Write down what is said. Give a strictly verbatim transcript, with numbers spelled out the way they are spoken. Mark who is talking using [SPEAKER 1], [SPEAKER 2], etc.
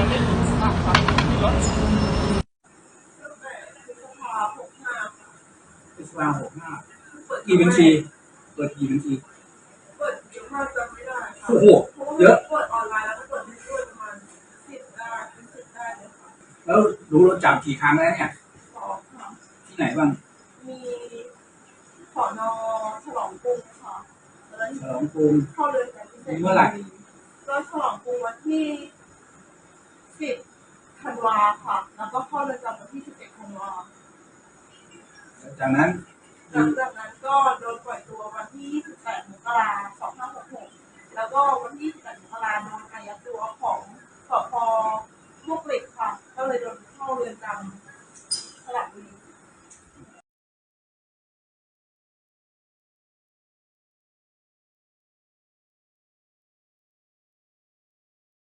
[SPEAKER 1] พฤษภาหกห้ากี่บัญชีเปิดกี่บัญชี
[SPEAKER 2] เปิดเยอะมากจำไม่ได้ค่ะ
[SPEAKER 1] โอ้โหเยอะ
[SPEAKER 2] เปิดออนไลน์แล้วก็เปิดที่ด้วยประมาณสิบได้เป็นสิบได้เลยค่ะ
[SPEAKER 1] แล้วรู้รถจับกี่ครั้งแล้วเนี่ย
[SPEAKER 2] สองค่ะ
[SPEAKER 1] ที่ไหนบ้าง
[SPEAKER 2] มีสอนอฉลองกรุงค่ะแล้ว
[SPEAKER 1] ฉลองกรุง
[SPEAKER 2] เข้าเรือนจำพิเศษ
[SPEAKER 1] เมื่อไหร่
[SPEAKER 2] ก็ฉลองกรุงวันที่สิบธันวาค่ะแล้วก็เข้าเรือนจำวันที่สิบเอ็ดธันวา
[SPEAKER 1] จากนั้น
[SPEAKER 2] หลังจากนั้นก็โดนปล่อยตัววันที่ยี่สิบแปดมกราคมสองพันห้าร้อยหกสิบหกแล้วก็วันที่ยี่สิบแปดมกราคมโดนอายัดตัวของสพ.มวกเหล็กค่ะก็เลยโดนเข้าเรือนจำสระบุรี